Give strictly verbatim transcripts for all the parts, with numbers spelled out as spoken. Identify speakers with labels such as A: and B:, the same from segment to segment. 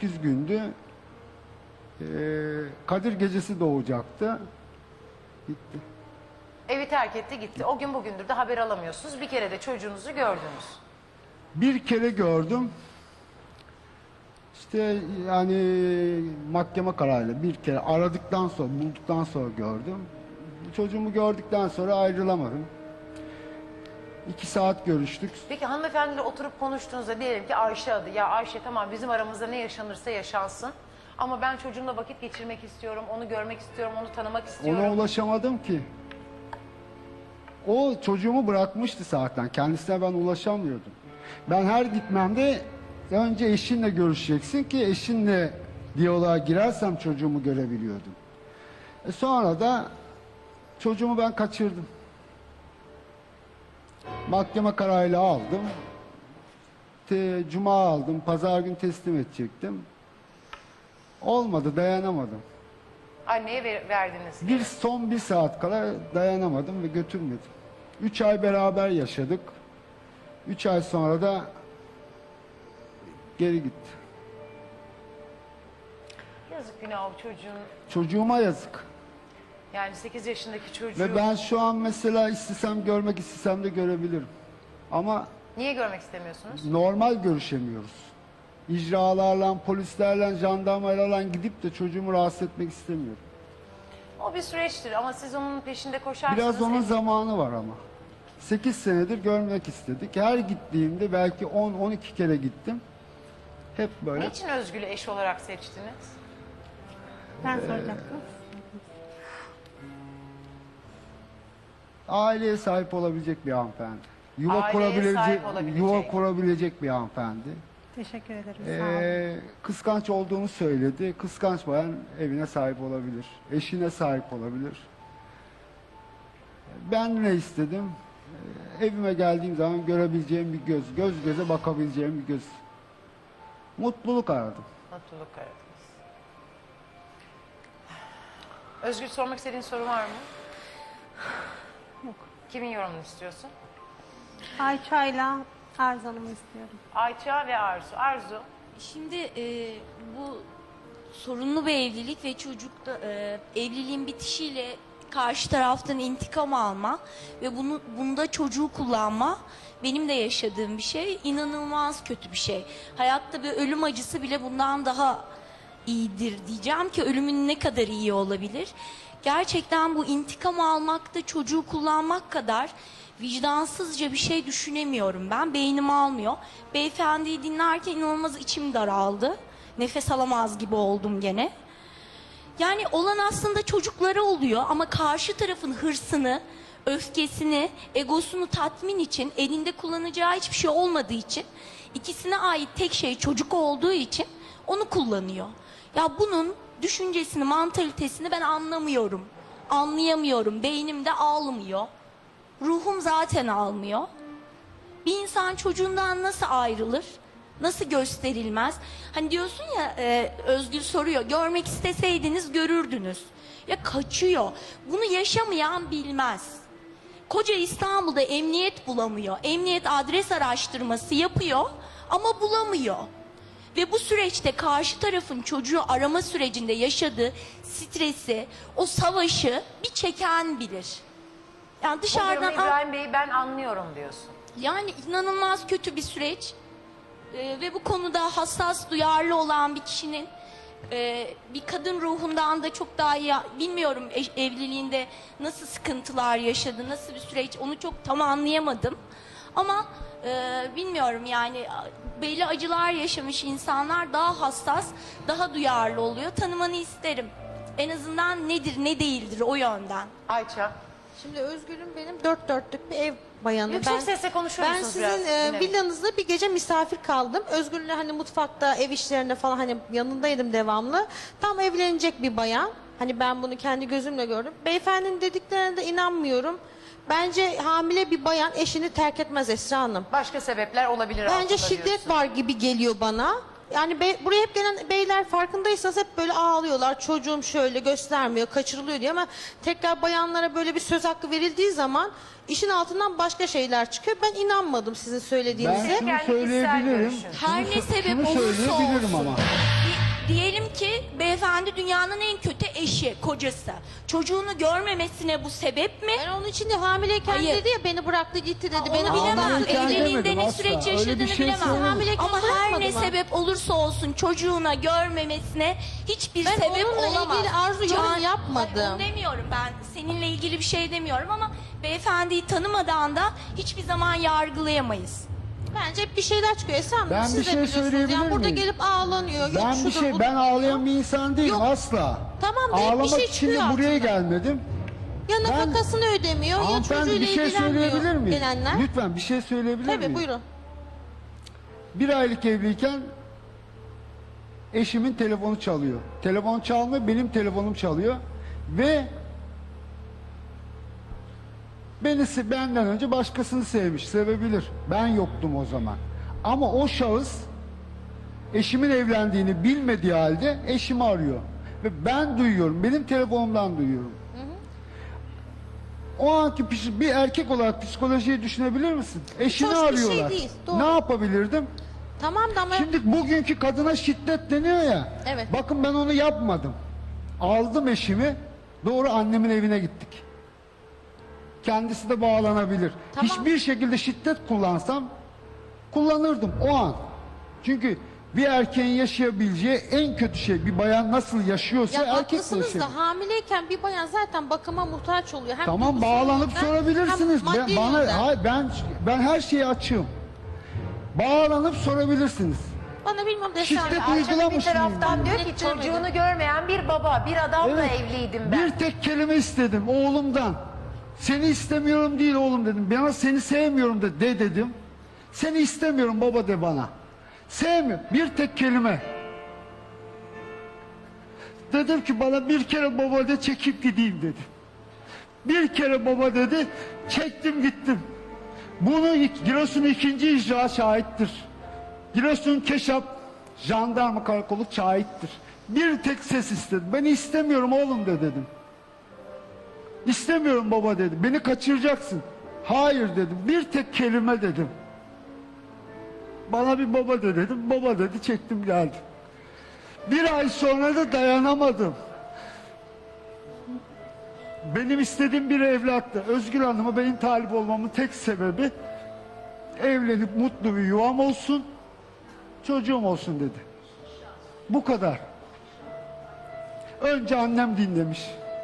A: sekiz gündü. Ee, Kadir gecesi doğacaktı. Gitti.
B: Evi terk etti gitti. O gün bugündür de haber alamıyorsunuz. Bir kere de çocuğunuzu gördünüz.
A: Bir kere gördüm. İşte yani mahkeme kararıyla bir kere aradıktan sonra, bulduktan sonra gördüm. Çocuğumu gördükten sonra ayrılamadım. İki saat görüştük.
B: Peki hanımefendiyle oturup konuştuğunuzda diyelim ki Ayşe adı. Ya Ayşe tamam bizim aramızda ne yaşanırsa yaşansın. Ama ben çocuğumla vakit geçirmek istiyorum, onu görmek istiyorum, onu tanımak istiyorum.
A: Ona ulaşamadım ki. O çocuğumu bırakmıştı zaten. Kendisine ben ulaşamıyordum. Ben her gitmemde önce eşinle görüşeceksin ki eşinle diyaloğa girersem çocuğumu görebiliyordum. E sonra da çocuğumu ben kaçırdım. Mahkeme kararıyla aldım. Te, Cuma aldım. Pazar gün teslim edecektim. Olmadı, dayanamadım.
B: Anneye ver, verdiniz.
A: Bir son bir saat kala dayanamadım ve götürmedim. Üç ay beraber yaşadık. Üç ay sonra da geri gitti.
B: Yazık günah o çocuğun.
A: Çocuğuma yazık.
B: Yani sekiz yaşındaki çocuğu.
A: Ve ben şu an mesela istesem görmek istesem de görebilirim. Ama
B: Niye görmek istemiyorsunuz?
A: normal görüşemiyoruz. İcralarla, polislerle, jandarmalarla gidip de çocuğumu rahatsız etmek istemiyorum.
B: O bir süreçtir ama siz onun peşinde koşarsanız...
A: Biraz onun
B: emin-
A: zamanı var ama. sekiz senedir görmek istedik. Her gittiğimde belki on on iki kere gittim. Hep böyle.
B: Niçin Özgül'ü eş olarak seçtiniz?
C: Ben soracaktım.
A: Aileye sahip olabilecek bir hanımefendi. Yuva
B: Aileye
A: kurabilecek,
B: sahip olabilecek.
A: yuva kurabilecek bir hanımefendi.
C: Teşekkür ederim. Sağ olun.
A: Ee, kıskanç olduğunu söyledi. Kıskanç bayan evine sahip olabilir. Eşine sahip olabilir. Ben ne istedim? Ee, evime geldiğim zaman görebileceğim bir göz. Göz göze bakabileceğim bir göz. Mutluluk aradım.
B: Mutluluk aradınız. Özgür sormak istediğin soru var mı?
C: Yok.
B: Kimin yorumunu istiyorsun?
C: Ayça'yla Arzu Hanım'ı istiyorum.
B: Ayça ve Arzu. Arzu.
D: Şimdi e, bu sorunlu bir evlilik ve çocukta e, evliliğin bitişiyle karşı taraftan intikam alma ve bunu bunda çocuğu kullanma benim de yaşadığım bir şey. İnanılmaz kötü bir şey. Hayatta bir ölüm acısı bile bundan daha iyidir diyeceğim ki ölümün ne kadar iyi olabilir. Gerçekten bu intikam almakta çocuğu kullanmak kadar vicdansızca bir şey düşünemiyorum ben. Beynim almıyor. Beyefendiyi dinlerken inanılmaz içim daraldı. Nefes alamaz gibi oldum gene. Yani olan aslında çocuklara oluyor ama karşı tarafın hırsını, öfkesini, egosunu tatmin için elinde kullanacağı hiçbir şey olmadığı için ikisine ait tek şey çocuk olduğu için onu kullanıyor. Ya bunun düşüncesini, mantalitesini ben anlamıyorum. Anlayamıyorum. Beynimde almıyor. Ruhum zaten almıyor. Bir insan çocuğundan nasıl ayrılır? Nasıl gösterilmez? Hani diyorsun ya e, Özgül soruyor. Görmek isteseydiniz görürdünüz. Ya kaçıyor. Bunu yaşamayan bilmez. Koca İstanbul'da emniyet bulamıyor. Emniyet adres araştırması yapıyor ama bulamıyor. Ve bu süreçte karşı tarafın çocuğu arama sürecinde yaşadığı stresi, o savaşı bir çeken bilir. Yani
B: Bu
D: dışarıdan
B: durumu İbrahim Bey'i ben anlıyorum diyorsun.
D: yani inanılmaz kötü bir süreç. Ee, ve bu konuda hassas, duyarlı olan bir kişinin e, bir kadın ruhundan da çok daha iyi, bilmiyorum eş- evliliğinde nasıl sıkıntılar yaşadı, nasıl bir süreç onu çok tam anlayamadım. Ama e, bilmiyorum yani belli acılar yaşamış insanlar daha hassas, daha duyarlı oluyor. Tanımanı isterim. En azından nedir, ne değildir o yönden.
B: Ayça.
E: Şimdi Özgür'üm benim dört dörtlük bir ev bayanı.
B: Yüksek
E: ben,
B: sesle konuşur
E: Ben
B: musunuz
E: sizin
B: biraz?
E: e,
B: Dinlemek.
E: villanızda bir gece misafir kaldım. Özgür'le hani mutfakta, ev işlerinde falan hani yanındaydım devamlı. Tam evlenecek bir bayan. Hani ben bunu kendi gözümle gördüm. Beyefendinin dediklerine de inanmıyorum. Bence hamile bir bayan eşini terk etmez Esra Hanım.
B: Başka sebepler olabilir
E: Bence
B: altında
E: şiddet
B: diyorsun.
E: var gibi geliyor bana. Yani be- buraya hep gelen beyler farkındaysanız hep böyle ağlıyorlar. Çocuğum şöyle göstermiyor, kaçırılıyor diye ama tekrar bayanlara böyle bir söz hakkı verildiği zaman işin altından başka şeyler çıkıyor. Ben inanmadım sizin
A: Ben
E: söylediğinize.
A: şunu
B: kendi kişisel
A: söyleyebilirim.
B: görüşün.
D: Her
A: Şunu
D: ne
A: sö-
D: sebep
A: şunu
D: olursa
A: söyleyebilirim
D: olsun.
A: ama.
D: Bir Diyelim ki beyefendi dünyanın en kötü eşi, kocası. Çocuğunu görmemesine bu sebep mi?
E: Ben onun için de hamileyken
D: Hayır.
E: dedi ya beni bıraktı gitti dedi.
D: Onu
E: Beni
D: bilemem.
A: Hamileyken
D: Evliliğinde
A: demedim
D: ne
A: asla.
D: süreç
A: Öyle bir
D: yaşadığını
A: şey
D: bilemem.
A: söylemedim.
E: Hamileyken
D: Ama her
E: bırakmadı
D: ne
E: mı?
D: sebep olursa olsun çocuğuna görmemesine hiçbir
E: Ben
D: sebep
E: onunla
D: olamaz.
E: ilgili Arzu yorum yapmadım.
D: Hayır, onu demiyorum ben. Seninle ilgili bir şey demiyorum ama beyefendiyi tanımadan da hiçbir zaman yargılayamayız.
E: Bence hep bir şeyler çıkıyor. Esra Hanım
A: Ben
E: siz
A: bir
E: de
A: şey
E: biliyorsunuz.
A: söyleyebilir
E: Yani burada
A: miyim?
E: gelip ağlanıyor. Yok
A: Ben bir
E: şudur,
A: şey,
E: budur.
A: ben ağlayan bir insan değilim
E: Yok.
A: asla.
E: Tamam da hep bir
A: Ağlamak
E: şey
A: için de
E: çıkıyor
A: buraya
E: altından.
A: gelmedim.
E: Ya
A: Ben-
E: nafakasını ödemiyor ya
A: Hanımefendi
E: çocuğuyla
A: bir şey
E: ilgilenmiyor
A: söyleyebilir miyim?
E: gelenler.
A: Lütfen bir şey söyleyebilir miyim?
E: Tabii buyurun.
A: Bir aylık evliyken eşimin telefonu çalıyor. Telefon çalmıyor, benim telefonum çalıyor. Ve beni se- benden önce başkasını sevmiş, sevebilir. Ben yoktum o zaman. Ama o şahıs eşimin evlendiğini bilmediği halde eşimi arıyor. Ve ben duyuyorum, benim telefonumdan duyuyorum. O anki psik- bir erkek olarak psikolojiyi düşünebilir misin? Eşini
E: hoş bir şey
A: arıyorlar.
E: değil, doğru.
A: Ne yapabilirdim?
E: Tamam da ama
A: Şimdi bugünkü kadına şiddet deniyor ya.
E: Evet.
A: Bakın ben onu yapmadım. Aldım eşimi, doğru annemin evine gittik. Kendisi de bağlanabilir.
E: Tamam.
A: Hiçbir şekilde şiddet kullansam kullanırdım o an. Çünkü bir erkeğin yaşayabileceği en kötü şey bir bayan nasıl yaşıyorsa
E: ya
A: erkek de
E: haklısınız
A: yaşayabilir.
E: da hamileyken bir bayan zaten bakıma muhtaç oluyor. Hem
A: Tamam
E: duygusal
A: bağlanıp
E: yönden,
A: sorabilirsiniz.
E: hem
A: Ben,
E: maddi
A: bana
E: yönden.
A: hayır, ben ben her şeyi açığım. Bağlanıp sorabilirsiniz.
E: Bana bilmem desem.
A: Şiddet
B: Ayça bir
A: uygulamış mıyım?
B: taraftan diyor ki
E: Net demedim.
B: çocuğunu görmeyen bir baba, bir adamla
A: Evet.
B: evliydim ben.
A: Bir tek kelime istedim oğlumdan. Seni istemiyorum değil oğlum dedim. Bana seni sevmiyorum de, de dedim. Seni istemiyorum baba de bana. Sevmiyor. Bir tek kelime. Dedim ki bana bir kere baba de çekip gideyim dedi. Bir kere baba dedi çektim gittim. Bunu Giresun ikinci icra şahittir. Giresun Keşap jandarma karakolu şahittir. Bir tek ses istedim. Ben istemiyorum oğlum de dedim. İstemiyorum baba dedi. Beni kaçıracaksın. Hayır dedim. Bir tek kelime dedim. Bana bir baba de dedim. Baba dedi çektim geldim. Bir ay sonra da dayanamadım. Benim istediğim bir evlattı. Özgür Hanım'a benim talip olmamın tek sebebi evlenip mutlu bir yuvam olsun, çocuğum olsun dedi. Bu kadar. Önce annem dinlemiş.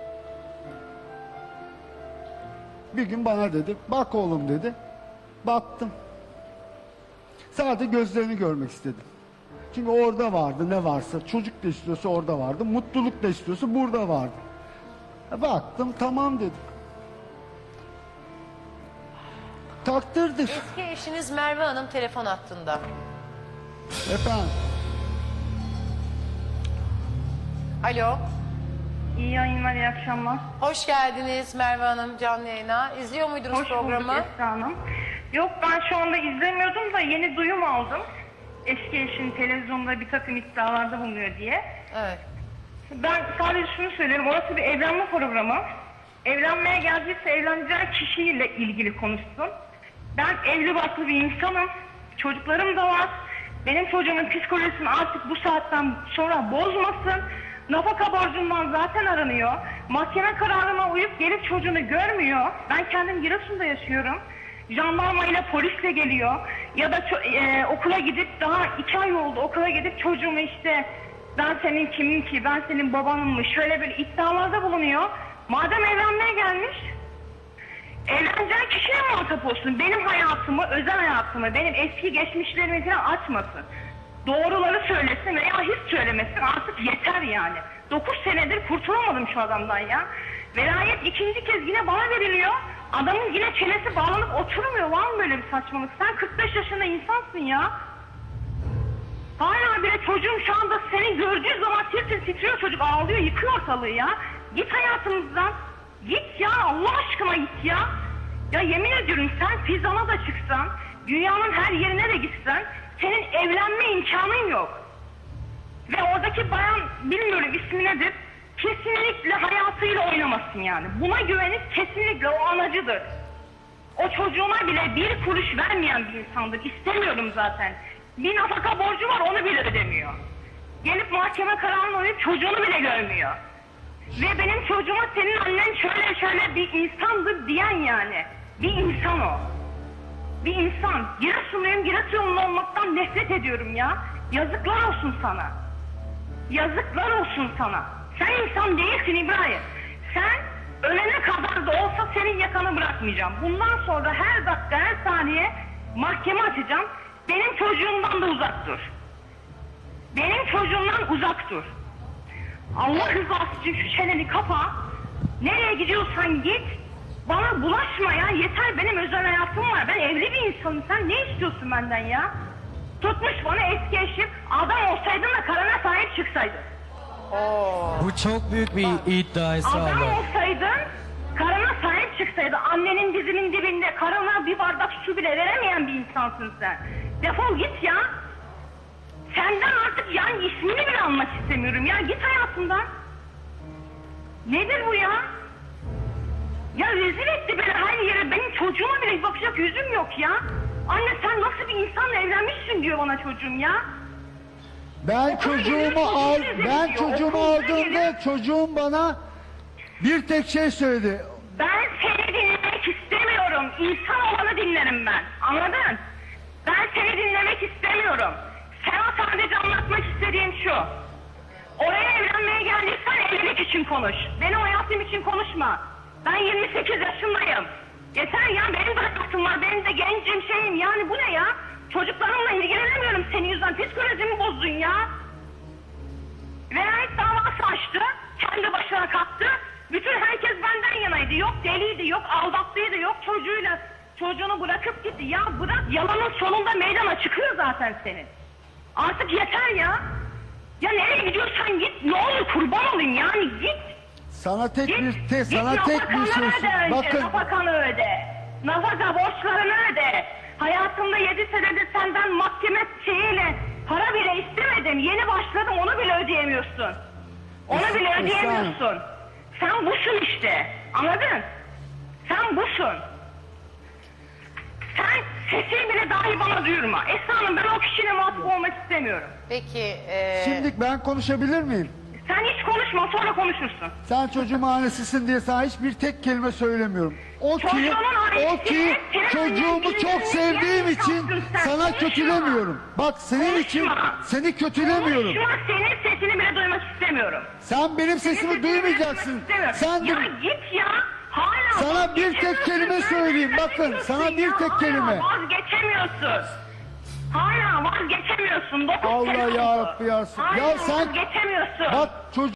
A: Bir gün bana dedi, bak oğlum dedi. Baktım. Sadece gözlerini görmek istedim. Çünkü orada vardı ne varsa, çocuk da istiyorsa orada vardı, mutluluk da istiyorsa burada vardı. Baktım tamam dedim. Takdirdir.
B: Eski eşiniz Merve Hanım telefon hattında.
A: Efendim.
B: Alo.
F: İyi yayınlar, iyi akşamlar.
B: Hoş geldiniz Merve Hanım canlı yayına. İzliyor muydunuz
F: Hoş
B: programı?
F: bulduk Esra Hanım. Yok, ben şu anda izlemiyordum da yeni duyum aldım. Eski eşin televizyonda bir takım iddialarda bulunuyor diye.
B: Evet.
F: Ben sadece şunu söylüyorum, orası bir evlenme programı. Evlenmeye geldiyse evleneceği kişiyle ilgili konuşsun. Ben evli barklı bir insanım. Çocuklarım da var. Benim çocuğumun psikolojisini artık bu saatten sonra bozmasın. Nafaka borcundan zaten aranıyor. Mahkeme kararına uyup gelip çocuğunu görmüyor. Ben kendim Giresun'da yaşıyorum. Jandarma ile polisle geliyor. Ya da ço- e, okula gidip daha iki ay oldu okula gidip çocuğumu işte ben senin kimim ki, ben senin babanım mı, şöyle bir iddialarda bulunuyor. Madem evlenmeye gelmiş, evleneceği kişiye muhatap olsun. Benim hayatımı, özel hayatımı, benim eski geçmişlerimi falan açmasın. Doğruları söylesin veya hiç söylemesin, artık yeter yani. Dokuz senedir kurtulamadım şu adamdan ya. Velayet ikinci kez yine bana veriliyor. Adamın yine çenesi bağlanıp oturmuyor. Var mı böyle bir saçmalık? Sen kırk beş yaşında insansın ya. Hala bile çocuğum şu anda seni gördüğü zaman tir tir titriyor, çocuk ağlıyor, yıkıyor ortalığı ya. Git hayatımızdan. Git ya, Allah aşkına git ya. Ya yemin ediyorum, sen pizzana da çıksan, dünyanın her yerine de gitsen, senin evlenme imkanın yok. Ve oradaki bayan, bilmiyorum ismi nedir, kesinlikle hayatıyla oynamasın yani. Buna güvenip kesinlikle o anacıdır. O çocuğuna bile bir kuruş vermeyen bir insandır. İstemiyorum zaten. Bir nafaka borcu var, onu bile ödemiyor. Gelip mahkeme kararını uyup çocuğunu bile görmüyor. Ve benim çocuğuma senin annen şöyle şöyle bir insandır diyen yani. Bir insan o. Bir insan. Giresunluyum, Giresunlu olmaktan nefret ediyorum ya. Yazıklar olsun sana. Yazıklar olsun sana. Sen insan değilsin İbrahim. Sen ölene kadar da olsa senin yakanı bırakmayacağım. Bundan sonra her dakika, her saniye mahkeme açacağım. Benim çocuğumdan da uzak dur. Benim çocuğumdan uzak dur. Allah rızası için şu çeneni kapa. Nereye gidiyorsan git. Bana bulaşma ya. Yeter, benim özel hayatım var. Ben evli bir insanım. Sen ne istiyorsun benden ya? Tutmuş bana eski eşim. Adam olsaydın da karına sahip çıksaydın.
G: Bu çok büyük bir iddia Esra
F: Adam
G: abla.
F: olsaydın, karına sahip çıksaydın. Annenin dizinin dibinde karına bir bardak su bile veremeyen bir insansın sen. Defol git ya. Senden artık yani ismini bile almak istemiyorum ya. Git hayatımdan. Nedir bu ya? Ya rezil etti beni her yere. Benim çocuğuma bile bakacak yüzüm yok ya. Anne sen nasıl bir insanla evlenmişsin diyor bana çocuğum ya.
A: Ben çocuğumu al, ben çocuğumu aldığımda çocuğum bana bir tek şey söyledi.
F: Ben seni dinlemek istemiyorum. İnsan olanı dinlerim ben. Anladın? Ben seni dinlemek istemiyorum. Sana sadece anlatmak istediğim şu. Oraya evlenmeye geldiysen evlilik için konuş. Benim hayatım için konuşma. Ben yirmi sekiz yaşındayım. Yeter ya, benim de hayatım var. Benim de gencim şeyim. Yani bu ne ya? Çocuklarımla ilgilenemiyorum senin yüzünden. Psikolojimi bozdun ya. Velayet davası açtı. Kendi başına kalktı. Bütün herkes benden yanaydı. Yok deliydi, yok aldattıydı, yok çocuğuyla çocuğunu bırakıp gitti. Ya bırak, yalanın sonunda meydana çıkıyor zaten senin. Artık yeter ya. Ya nereye gidiyorsan git. Ne olur kurban olayım yani, git.
A: Sana tek
F: Git,
A: bir te,
F: git
A: sana tek bir
F: nafakanı
A: şey.
F: öde önce,
A: Bakın
F: nafakanı öde. Nafaka borçlarını öde. Hayatımda yedi senedir senden mahkeme şeyiyle para bile istemedim. Yeni başladım, onu bile ödeyemiyorsun. Onu
A: Es-
F: bile
A: Esra
F: ödeyemiyorsun. Sen busun işte. Anladın? Sen busun. Sen sesini bile dahi bana duyurma. Esra Hanım, ben o kişiyle muhatap olmak istemiyorum.
B: Peki e,
A: şimdi ben konuşabilir miyim?
F: Sen hiç konuşma, sonra konuşursun.
A: Sen çocuğum annesisin diye sana hiçbir tek kelime söylemiyorum. O ki,
F: Çocuğumun annesi,
A: o ki
F: senin
A: çocuğumu
F: annen
A: çok
F: kimsin?
A: sevdiğim
F: Yani
A: için
F: yoksun sen,
A: sana
F: konuşma.
A: kötülemiyorum. Bak senin için
F: Konuşma.
A: seni kötülemiyorum.
F: Konuşma, senin sesini bile duymak istemiyorum.
A: Sen benim
F: Senin
A: sesimi
F: sesini bile
A: duymayacaksın.
F: duymak istemiyorum.
A: Sen de
F: Ya git ya. Hala
A: Sana bir tek
F: vazgeçemiyorsun.
A: kelime
F: Böyle
A: söyleyeyim,
F: bir
A: bakın,
F: şey
A: sana bir
F: ya.
A: tek
F: Hala
A: kelime.
F: vazgeçemiyorsun. Hala vazgeçemiyorsun. Dokuz
A: Allah
F: sene
A: ya
F: oldu.
A: Rabbi ya.
F: Hala
A: Ya sen
F: vazgeçemiyorsun.
A: bak çocuk